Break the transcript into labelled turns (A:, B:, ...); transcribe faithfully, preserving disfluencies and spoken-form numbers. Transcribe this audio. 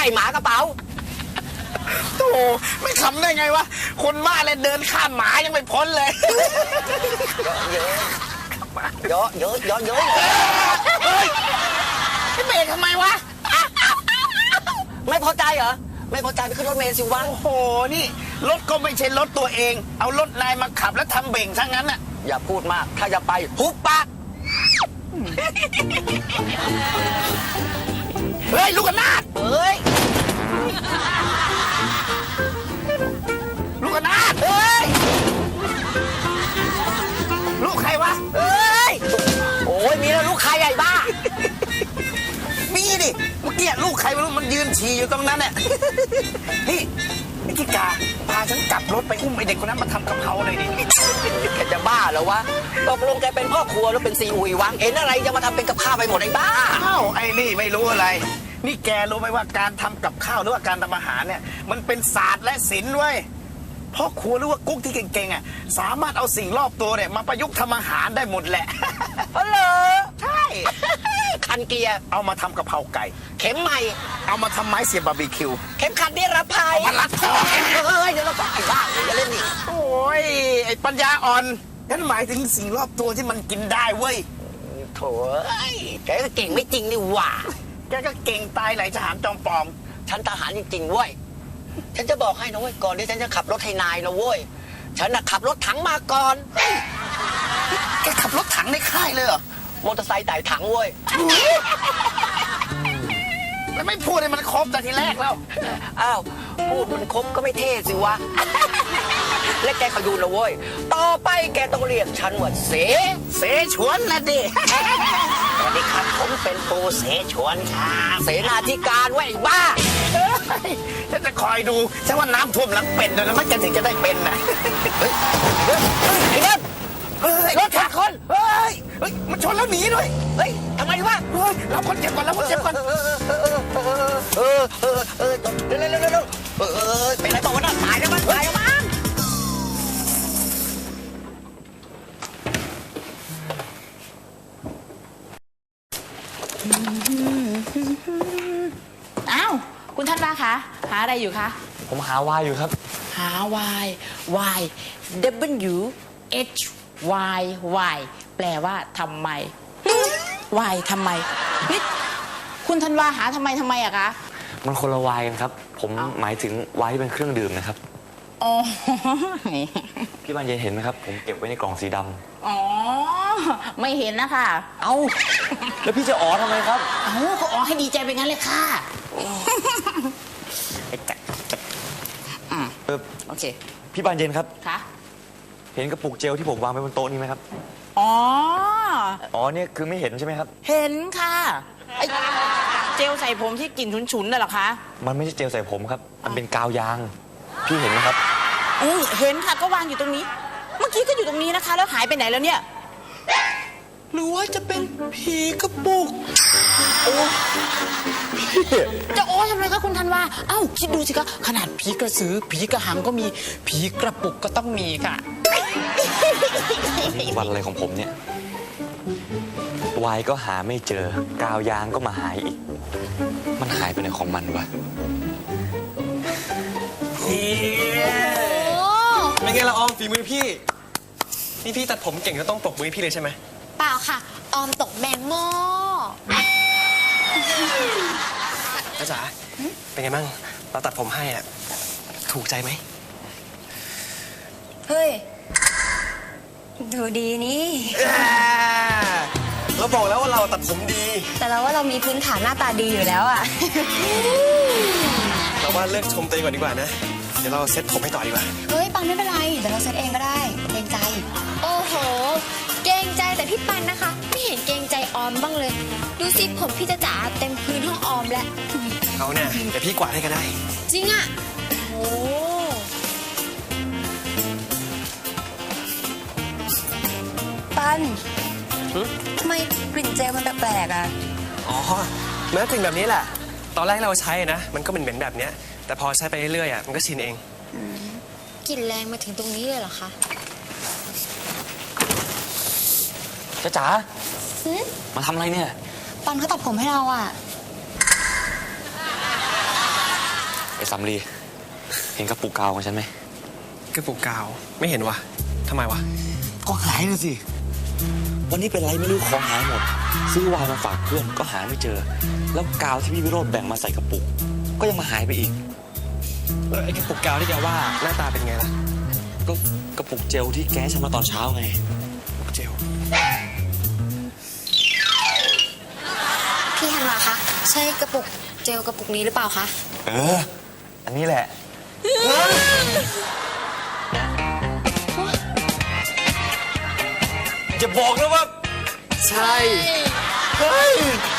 A: ล่หมากระเป๋า
B: โธ่ไม่ขำได้ไงวะคนบ้าเลยเดินข้ามหมายังไม่พ้นเลย
A: เยอะเยอะเยอะเยอะ
B: เฮ้ยเบรกทำไมวะ
A: ไม่พอใจเหรอไม่พอใจไปขึ้นรถเมล์สิวะ
B: โอ้โหนี่รถก็ไม่ใช่รถตัวเองเอารถนายมาขับแล้วทำเบ่งทั้งนั้นน่ะ
A: อย่าพูดมากถ้าจะไปหุบปาก
B: เฮ้ยลูกกระนาด
A: เฮ้ย
B: ลูกกระนาดเฮ้ยลูกใครวะ
A: เฮ้ยโอ้ยมีแล้วลูกใครใหญ่บ้า
B: มีดิเมื่อกี้ลูกใครไม่รู้มันยืนฉี่อยู่ตรงนั้นเนี่ยนี่ไอ้ที่กาพาฉันกลับรถไปอุ้มไอเด็กคนนั้นมาทำกะเพราเลยดิ
A: แกจะบ้าเหรอวะตกลงแกเป็นพ่อครัวหรือเป็นซีอุยวะเห็นอะไรจะมาทำเป็นกับข้าวไปหมดไอ้บ้า
B: อ้าวไอ้นี่ไม่รู้อะไรนี่แกรู้ไหมว่าการทำกับข้าวหรือว่าการทำอาหารเนี่ยมันเป็นศาสตร์และศิลป์เว้ยพ่อครัวหรือว่ากุ๊กที่เก่งๆอ่ะสามารถเอาสิ่งรอบตัวเนี่ยมาประยุกต์ทำอาหารได้หมดแหละ
A: อ๋อเหรอ
B: ใช่
A: คันเกียร์
B: เอามาทำกะเพราไก่
A: เข็มใหม่
B: เอามาทำไม้เสียบบาร์บีคิว
A: เข็มขัดนิรภัย
B: มาลัดคอ
A: เฮ้ยเดี๋ยวเราก็ไอ้บ้าอย่าเล่นนี่
B: โอ้ยไอ้ปัญญาอ่อนฉันหมายถึงสิ่งรอบตัวที่มันกินได้เว้ย
A: โถ่แกก็เก่งไม่จริงนี่หว่า
B: แกก็เก่งตายไหลทหารจอมปลอม
A: ฉันทหารจริงๆเว้ยฉันจะบอกให้นะเว้ยก่อนที่ฉันจะขับรถให้นายนะเว้ยฉันน่ะขับรถถังมาก่อน
B: แกขับรถถังในค่ายเลยเหรอ
A: มอเตอร์ไซค์ไต่ถังเว้ย
B: แล้วไม่พูดให้มันครบแต่ทีแรกแล้ว
A: อ้าวพูดมันครบก็ไม่เท่สิวะและแกขยูนนะเว้ยต่อไปแกต้องเรียกฉันว่าเส
B: เสฉวนนะดิ
A: สวัสดีครับผมเป็นปูเสฉวนครับเสนาธิการเว้ยบ้า
B: ฉันจะคอยดูฉันว่าน้ำท่วมหลังเป็ดแล้วมันจะถึงจะได้เป็นนะเฮ้ย
A: ไอ้เด็กรถชนคน
B: เฮ้ยเฮ้ยมันชนแล้วหนีด้วย
A: เฮ้ยทำไมวะ
B: เฮ้ยเราคนเจ็บก่อนเราคนเจ็บก่อน
A: เออเออเออเออเออเร็วเร็วเร็วเร็วเออเป็นไรบอกว่าน่าตายแล้วมั้งตายแล้วมั้ง
C: อ้าวคุณท่านว่าคะหาอะไรอยู่คะ
D: ผมหาวายอยู่ครับ
C: หาวายวาย W H Y Y แปลว่าทำไม Y ทำไมนี่คุณธันวาหาทำไมทำไมอะคะ
D: มันคนละวายกันครับผมหมายถึงวายที่เป็นเครื่องดื่มนะครับ
C: อ๋อ
D: พี่บานเย็นเห็นไหมครับผมเก็บไว้ในกล่องสีดำ
C: อ๋อไม่เห็นนะคะ
D: เอ้าแล้วพี่จะอ๋อทำไมครับ
C: เอ้าก็อ๋อให้ดีใจไปงั้นเลยค่ะ
D: เออโอเคพี่บานเย็นครับ
C: ค่ะ
D: เห็นกระปุกเจลที่ผมวางไว้บนโต๊ะนี้ไหมครับ
C: อ๋อ
D: อ๋อเนี่ยคือไม่เห็นใช่ไหมครับ
C: เห็นค่ะไอ้เจลใส่ผมที่กลิ่นฉุนๆน่ะเหรอคะ
D: มันไม่ใช่เจลใส่ผมครับมันเป็นกาวยางพี่เห็นไหมครับ
C: อือเห็นค่ะก็วางอยู่ตรงนี้เมื่อกี้ก็อยู่ตรงนี้นะคะแล้วหายไปไหนแล้วเนี่ยหรือว่าจะเป็นผีกระปุกโอ้จะโอ้ทำไมคะคุณธันวาเอ้าคิดดูสิคะขนาดผีกระสือผีกระหังก็มีผีกระปุกก็ต้องมีค่ะ
D: วันอะไรของผมเนี่ยวายก็หาไม่เจอกาวยางก็มาหายอีกมันหายไปไหนของมันวะ
E: เป็นไงละออมฝีมือพี่นี่พี่ตัดผมเก่งก็ต้องปรบมือพี่เลยใช่ไหม
F: เปล่าค่ะออมตกแมงหม้อ
E: จ้าจ๋าเป็นไงบ้างเราตัดผมให้อ่ะถูกใจไหม
F: เฮ้ยดูดีนี่
E: เราบอกแล้วว่าเราตัดผมดี
F: แต่เราว่าเรามีพื้นฐานหน้าตาดีอยู่แล้วอ่ะ
E: เราว่าเลิกชมตัวเองก่อนดีกว่านะเดี๋ยวเราเซ็ตผมให้ต่อดีกว่า
F: เฮ้ยปันไม่เป็นไรเดี๋ยวเราเซ็ตเองก็ได้เกรงใจโอ้โหเกรงใจแต่พี่ปันนะคะไม่เห็นเกรงใจออมบ้างเลยดูสิผมพี่จะจ๋าเต็มพื้นห้องออมแล้ว
E: เขาเนี่ยเดี๋ยวพี่กวาดให้ก็ได้
F: จริงอ่ะโอ้ปันทำไมกลิ่นเจลมันแปลกๆอ่ะ
E: อ๋อแม้กลิ่นแบบนี้แหละตอนแรกเราใช้นะมันก็เหม็นๆแบบเนี้ยแต่พอใช้ไปเรื่อยๆอ่ะมันก็ชินเอง
F: กลิ่นแรงมาถึงตรงนี้เลยเหรอคะ
D: จ้าจ๋ามาทำอะไรเนี่ย
F: ปันเขาตัดผมให้เราอ่ะ
D: อ้สำลีเห็นกระปุกกาวของฉันไหม
E: กระปุกกาวไม่เห็นวะทำไมวะ
D: ก็หายนะสิ วันนี้เป็นไรไม่รู้ของหายหมด ซื้อวายมาฝากเพื่อนก็หาไม่เจอ แล้วกาวที่พี่วิโรจน์แบ่งมาใส่กระปุก ก็ยังมาหายไปอีก
E: แล้วไอ้กระปุกกาวที่แกว่าหน้าตาเป็นไงล่ะ
D: ก็กระปุกเจลที่แกให้ฉันมาตอนเช้าไง
E: เจล
F: พี่ธันวาคะใช่กระปุกเจลกระปุกนี้หรือเปล่าคะ
D: เออ อันนี้แหละ จะบอกนะว่า ใช่ เฮ้ย